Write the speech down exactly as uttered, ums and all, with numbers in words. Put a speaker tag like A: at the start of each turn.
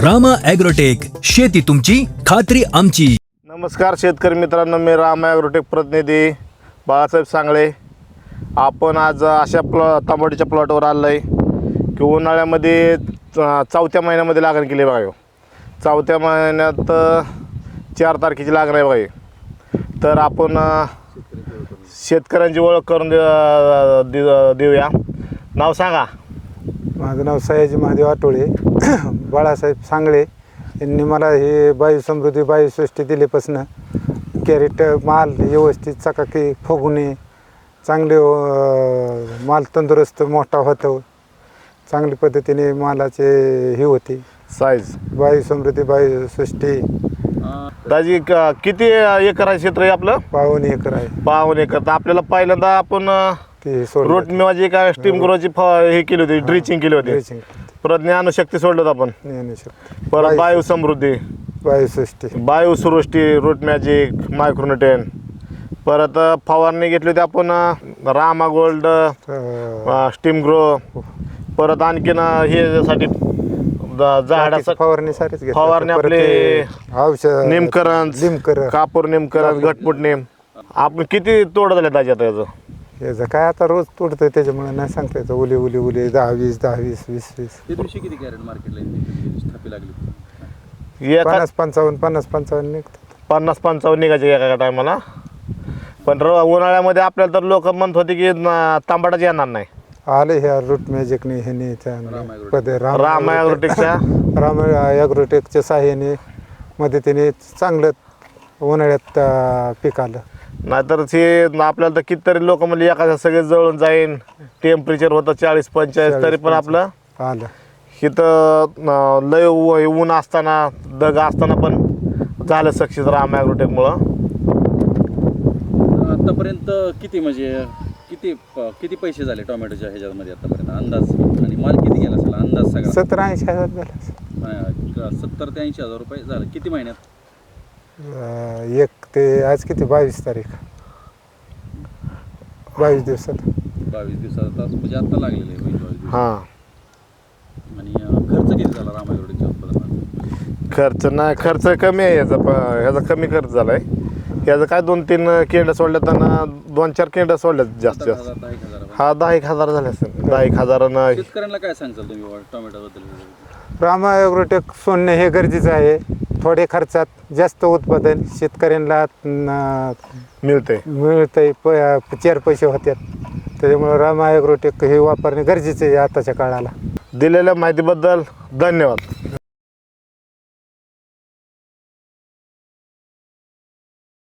A: Rama agrotech, शेती तुमची खात्री आमची.
B: नमस्कार शेतकरी मित्रांनो, मी रामा ॲग्रोटेक प्रतिनिधी बाळासाहेब सांगळे. आपण आज अशा प्लॉ तांबडीच्या प्लॉटवर आलो आहे की उन्हाळ्यामध्ये चौथ्या महिन्यामध्ये लागण केली बघा. चौथ्या महिन्यात चार तारखेची लागण आहे बघा. तर आपण शेतकऱ्यांची ओळख करून दे देऊया. नाव सांगा.
C: माझं नाव सयाजी महादेव आटोळे. बाळासाहेब सांगळे यांनी मला हे बायू समृद्धी बायू सृष्टी दिल्यापासून कॅरेट माल व्यवस्थित चकाकी फुगणे चांगले माल तंदुरुस्त मोठा होतो. चांगल्या पद्धतीने मालाचे हे होते
B: साईज.
C: बायू समृद्धी बायू सृष्टी.
B: दाजी किती एकर आहे क्षेत्र आहे आपलं?
C: पावन एकर आहे.
B: पावन एकर. तर आपल्याला पहिल्यांदा आपण
C: ते सोड
B: रोट मेवाची काय स्टीम ग्रोची हे केली होती, ड्रिचिंग केली होती.
C: ड्रिचिंग
B: परत ज्ञानशक्ती सोडलं होतं आपण.
C: ज्ञानशक्ती.
B: परत बायू समृद्धी,
C: बायू सृष्टी,
B: बायू सृष्टी, रूट मॅजिक, मायक्रोन्यूट्रन. परत फवारणी घेतली होती आपण रामा गोल्ड, स्टीम ग्रो. परत आणखीन हे साठी झाडाचं
C: फवारणीसाठीच
B: फवारणी आपले
C: औषध
B: निमकरण,
C: निमकरण,
B: कापूर निमकरण, घटमुट निम. आपण किती तोड झाले दाजी आता याचं?
C: याचं काय आता रोज तोडतोय त्याच्यामुळे नाही सांगता येतं. उली उली उली दहा वीस दहा वीस वीस वीस
D: त्या दिवशी किती कॅरेट मार्केटला स्थापी लागली?
B: एका
C: पन्नास पंचावन्न पन्नास पंचावन्न निघतात.
B: पन्नास पंचावन्न निघायचे एका टायमाला. पण र उन्हाळ्यामध्ये आपल्याला तर लोक म्हणत होते की तांबडाच येणार नाही.
C: आले ह्या रूट मॅजिकने ह्याने पदे
B: राम ॲग्रोटेकच्या
C: राम ॲग्रोटेकच्या साह्याने मदतीने चांगलं उन्हाळ्यात पीक आलं.
B: नाहीतर ते आपल्याला तर कितीतरी लोक म्हणजे एखाद्या सगळे जळून जाईन. टेम्परेचर होतं चाळीस पंचेचाळीस, तरी पण आपलं
C: आलं.
B: इथं लय ऊन असताना दग असताना पण झालं सक्सेस राम ॲग्रोटेकमुळं.
D: आतापर्यंत किती म्हणजे किती किती पैसे झाले टोमॅटोच्या ह्याच्यामध्ये आतापर्यंत अंदाज? आणि माल किती गेला असेल अंदाज सगळा?
C: सत्तर ऐंशी हजार झाला.
D: सत्तर ते ऐंशी हजार रुपये झालं. किती महिन्यात?
C: एक ते आज किती बावीस तारीख बावीस दिवसात
D: बावीस दिवसात आता म्हणजे आता लागलेले आहे बावीस दिवस.
B: हां.
D: आणि खर्च किती झाला रामायगडच्या उत्पादनात?
B: खर्च नाही, खर्च कमी आहे याचा. प ह्याचा कमी खर्च झाला आहे. याचं काय दोन तीन केंड्या सोडल्यात आणि दोन चार केंड्या सोडल्यात जास्त जास्त.
D: दहा एक हजार.
B: हा दहा एक हजार झाले असेल. दहा एक हजारानं.
D: शेतकऱ्यांना काय सांगचाल तुम्ही टोमॅटोबद्दल?
C: रामा ॲग्रोटेक सोडणे हे गरजेचं आहे. थोडे खर्चात जास्त उत्पादन शेतकऱ्यांना
B: मिळते
C: मिळतंय. प चार पैसे होतात. त्याच्यामुळे रामा ॲग्रोटेक हे वापरणे गरजेचे आहे आताच्या काळाला.
B: दिलेल्या माहितीबद्दल धन्यवाद.